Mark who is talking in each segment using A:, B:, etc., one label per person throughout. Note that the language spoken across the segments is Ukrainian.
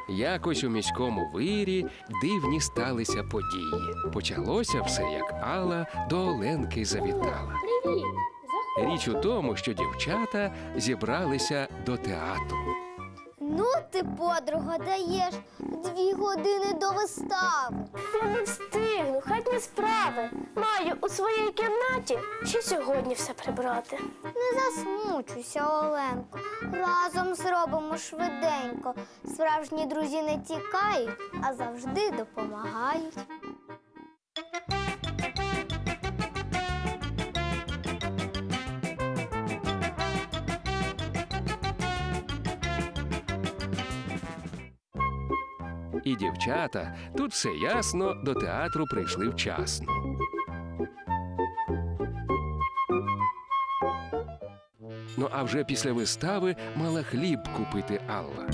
A: Якось у міському вирі дивні сталися події. Почалося все, як Алла до Оленки завітала.
B: Привіт!
A: Річ у тому, що дівчата зібралися до театру.
C: Ну ти, подруга, даєш 2 години до вистави.
B: Я не встигну, хатні справи. Маю у своїй кімнаті ще сьогодні все прибрати.
C: Не засмучуйся, Оленко. Разом зробимо швиденько. Справжні друзі не тікають, а завжди допомагають.
A: І дівчата, тут все ясно, до театру прийшли вчасно. Ну а вже після вистави мала хліб купити Алла.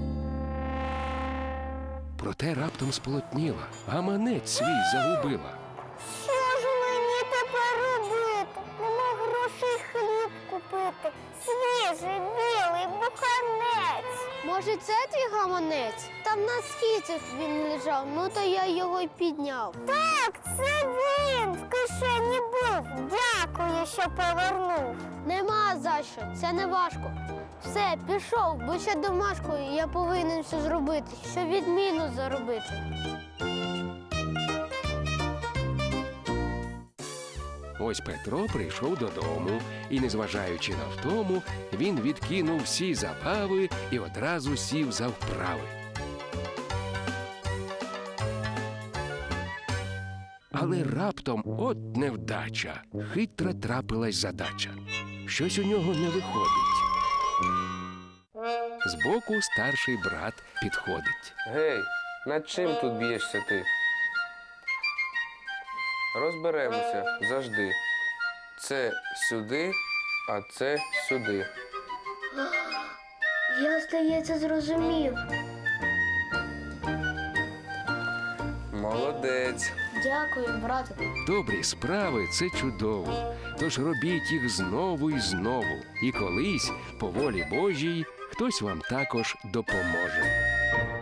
A: Проте раптом сполотніла, гаманець свій загубила.
C: Що ж мені тепер робити? Нема грошей хліб купити. Свіжий, білий, буханець. Може, це твій гаманець? Там на східцях він лежав, ну то я його й підняв. Так, це він в кишені був. Дякую, що повернув. Нема за що, це не важко. Все, пішов, бо ще домашкою я повинен все зробити, щоб відміну заробити.
A: Ось Петро прийшов додому, і, незважаючи на втому, він відкинув всі забави і одразу сів за вправи. Але раптом от невдача, хитра трапилась задача. Щось у нього не виходить. Збоку старший брат підходить.
D: Гей, над чим тут б'єшся ти? Розберемося завжди. Це сюди, а це сюди.
B: Я, здається, зрозумів.
D: Молодець.
B: Дякую, братику.
A: Добрі справи – це чудово, тож робіть їх знову і знову. І колись, по волі Божій, хтось вам також допоможе.